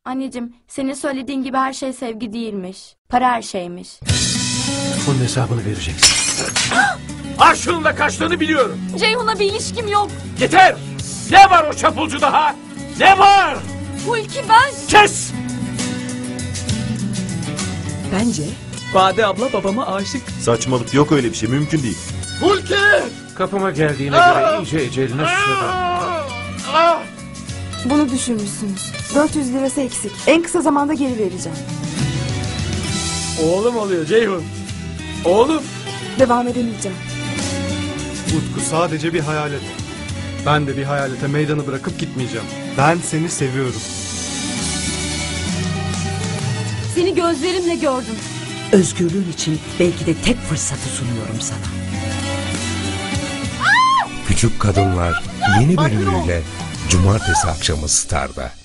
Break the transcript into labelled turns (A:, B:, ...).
A: Anneciğim, senin söylediğin gibi her şey sevgi değilmiş. Para her şeymiş.
B: Bunun hesabını vereceksin. Arşun'un da kaçtığını biliyorum.
A: Ceyhun'la bir ilişkim yok.
B: Yeter! Ne var o çapulcuda ha? Ne var?
A: Hulki ben...
B: Kes!
C: Bence Bade abla babama aşık.
D: Saçmalık, yok öyle bir şey, mümkün değil.
B: Hulki! Kapıma geldiğine göre iyice eceline susadım.
E: Bunu düşürmüşsünüz. 400 lirası eksik. En kısa zamanda geri vereceğim.
B: Oğlum oluyor Ceyhun. Oğlum.
E: Devam edemeyeceğim.
F: Utku sadece bir hayalet. Ben de bir hayalete meydanı bırakıp gitmeyeceğim. Ben seni seviyorum.
A: Seni gözlerimle gördüm.
C: Özgürlüğün için belki de tek fırsatı sunuyorum sana.
G: Küçük Kadınlar yeni bölümüyle Cumartesi akşamı Star'da.